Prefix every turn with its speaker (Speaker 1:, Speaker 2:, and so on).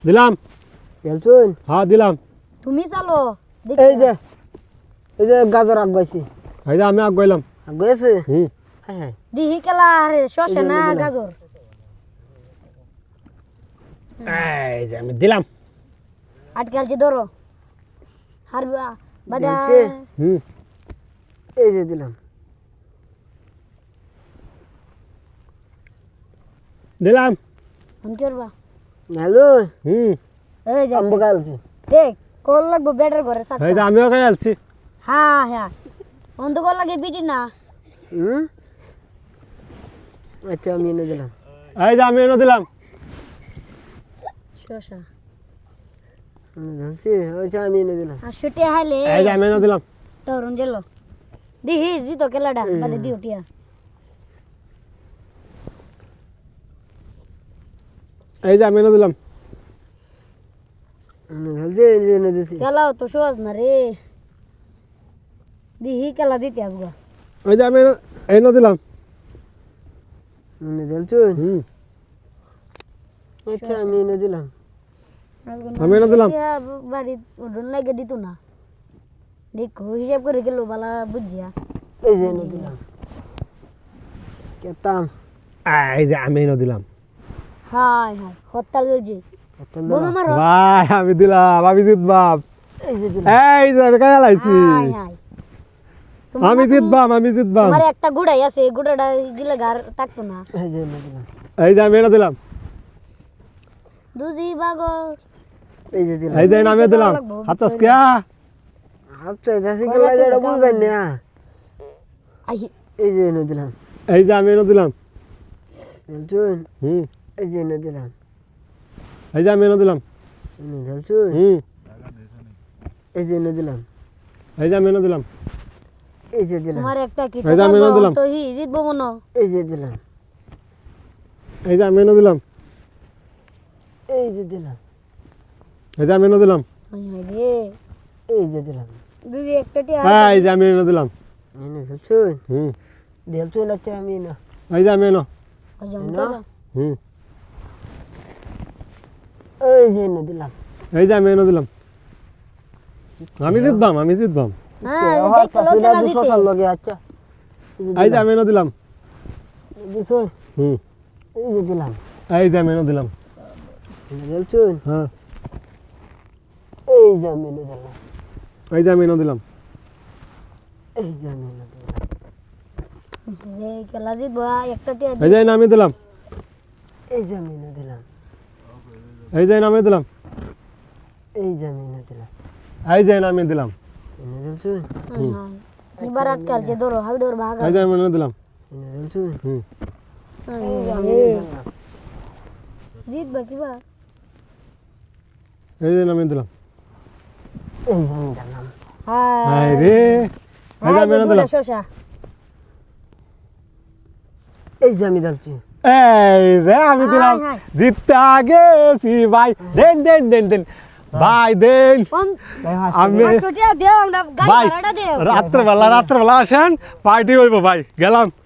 Speaker 1: দিলাম।
Speaker 2: খেলছুন?
Speaker 1: হ্যাঁ দিলাম।
Speaker 3: তুমি চালো
Speaker 2: এই যে গাজর আগাইছি।
Speaker 1: এই যে আমি আগাইলাম।
Speaker 2: আগাইছে?
Speaker 1: হুম।
Speaker 2: হ্যাঁ হ্যাঁ।
Speaker 3: দিহি কেলা আরে শসা না
Speaker 2: দিলাম।
Speaker 3: গাজর।
Speaker 1: এই যে আমি দিলাম।
Speaker 3: আটকালছে ধরো হারবা বাদা
Speaker 2: দিলছে?
Speaker 1: হুম।
Speaker 2: এই যে দিলাম।
Speaker 1: দিলাম।
Speaker 3: ফোন করবা
Speaker 2: হ্যালো।
Speaker 1: হুম।
Speaker 3: এই যে
Speaker 2: আম্বু গালছি।
Speaker 3: দেখ কল লাগবো ব্যাটার ঘরে
Speaker 1: এই যে
Speaker 3: সাতটা
Speaker 1: আমিও খাই আলছি।
Speaker 3: হ্যাঁ হ্যাঁ অন্ধ কল লাগে বিটি না
Speaker 2: হুম? আচ্ছা আমি এনে দিলাম।
Speaker 1: এই যে আমি এনে দিলাম।
Speaker 3: শসা
Speaker 2: ধরছি? আচ্ছা আমি এনে দিলাম।
Speaker 3: আর ছুটে হাইলে
Speaker 1: এই যে আমি এনে দিলাম।
Speaker 3: তরুণ জেলো দিহি জিতো কেলাডা বাদে দিও টিয়া
Speaker 1: এই যে আমি এনে দিলাম।
Speaker 2: ধরছি এই যে এনে দিছি।
Speaker 3: কেলাও তো সহজ না রে দিহি কেলা দিতে আসবো
Speaker 1: এই যে আমি এনে দিলাম।
Speaker 2: এনে দিলছুন?
Speaker 1: হুম।
Speaker 2: আচ্ছা আমি এনে দিলাম।
Speaker 1: আমি এনে দিলাম।
Speaker 3: বাড়ি উঠুন লাগে দিত না দেখো হিসাব করে গেল বালা বুঝিয়া
Speaker 2: এই যে এনে দিলাম। কেতাম।
Speaker 1: এই যে আমি এনে দিলাম।
Speaker 3: হাই হাই হরতাল চলছে
Speaker 2: কেতাম
Speaker 3: বোমা
Speaker 2: দিলাম।
Speaker 3: মারো
Speaker 1: ভাই আমি দিলাম। আমি জিতবাম।
Speaker 2: এই যে দিলাম।
Speaker 1: এই যে আমি খাই আলাইছি।
Speaker 3: হাই হাই
Speaker 1: আমি জিতবাম। আমি জিতবাম।
Speaker 3: আমার একটা গুড়াই আছে গুড়াটা গিলে গার থাকতো না
Speaker 2: এই যে এনে দিলাম।
Speaker 1: এই যে আমি এনে দিলাম।
Speaker 3: দুজি বাগর
Speaker 2: এই যে দিলাম।
Speaker 1: এই যে আমি দিলাম। হাতস কিয়া?
Speaker 2: আচ্ছা যাসি কে লাগে এটা বুঝাই না।
Speaker 3: আই
Speaker 2: এই যে এনে দিলাম।
Speaker 1: এই যে আমি এনে দিলাম।
Speaker 2: দিলছুন?
Speaker 1: হুম।
Speaker 2: এই যে এনে দিলাম।
Speaker 1: এই যে আমি এনে দিলাম।
Speaker 2: এনে দিলছুন?
Speaker 1: হুম।
Speaker 2: এই যে এনে দিলাম।
Speaker 1: এই যে আমি এনে দিলাম।
Speaker 2: এই যে দিলাম।
Speaker 3: তোমার একটা কি
Speaker 1: এই যে আমি এনে দিলাম।
Speaker 3: তো হি জিতবো মনো
Speaker 2: এই যে দিলাম।
Speaker 1: এই যে আমি এনে দিলাম।
Speaker 2: এই যে দিলাম।
Speaker 1: এই যে আমি এনে দিলাম।
Speaker 3: হাই হাই রে
Speaker 2: এই যে দিলাম।
Speaker 3: দুজি একটা টিয়া
Speaker 1: এই যে আমি এনে দিলাম।
Speaker 2: এনে দিলছুন?
Speaker 1: হুম।
Speaker 2: দিলছুন আচ্ছা আমি না।
Speaker 1: এই যে আমি এনে।
Speaker 3: জমতে
Speaker 2: না।
Speaker 1: হুম।
Speaker 2: এই যে এনে দিলাম।
Speaker 1: এই যে আমি এনে দিলাম। আমি জিতবাম। আমি জিতবাম।
Speaker 3: হ্যাঁ
Speaker 2: আবার
Speaker 3: দেখো
Speaker 2: পাশে
Speaker 3: লোকেলা
Speaker 2: দুশো
Speaker 3: দিতে
Speaker 2: সাল লগে আচ্ছা।
Speaker 1: এই যে আমি এনে দিলাম।
Speaker 2: দিছুন?
Speaker 1: হুম।
Speaker 2: এই যে দিলাম।
Speaker 1: এই যে আমি এনে দিলাম।
Speaker 2: এনে দিলছুন?
Speaker 1: হ্যাঁ।
Speaker 2: এই যে আমি এনে দিলাম।
Speaker 1: এই যে আমি এনে দিলাম।
Speaker 2: এই যে আমি এনে দিলাম।
Speaker 3: রে কেলা জিতবো একটা টিয়া
Speaker 1: এই যে আমি দিলাম।
Speaker 2: এই যে আমি এনে দিলাম।
Speaker 1: এই যে আমি দিলাম।
Speaker 2: এই যে আমি এনে দিলাম।
Speaker 1: এই যে আমি দিলাম।
Speaker 2: এনে দিলছুন?
Speaker 3: হাই হাই এবার আটকালছে ধরো হাল ধর ভাগা
Speaker 1: এই যে আমি এনে দিলাম।
Speaker 2: এনে দিলছুন?
Speaker 1: হুম।
Speaker 2: এই যে আমি এনে দিলাম।
Speaker 3: জিতবা কিবা
Speaker 1: এই যে আমি দিলাম।
Speaker 2: এই যে আমি দিলাম।
Speaker 3: হাই
Speaker 1: এই রে। এই যে আমি এনে দিলাম।
Speaker 3: শসা
Speaker 2: এই যে আমি দিলছি।
Speaker 1: এই যে আমি দিলাম।
Speaker 3: হাই, হাই।
Speaker 1: জিততে গেছি ভাই। দেন দেন দেন দেন ভাই দেন।
Speaker 3: কোন
Speaker 1: আমি
Speaker 3: টিয়া দেও আমরা গাড়ি
Speaker 1: ভাই
Speaker 3: ভাড়াটা দেও
Speaker 1: রাত্রেবেলা আসেন পার্টি হইব ভাই গেলাম।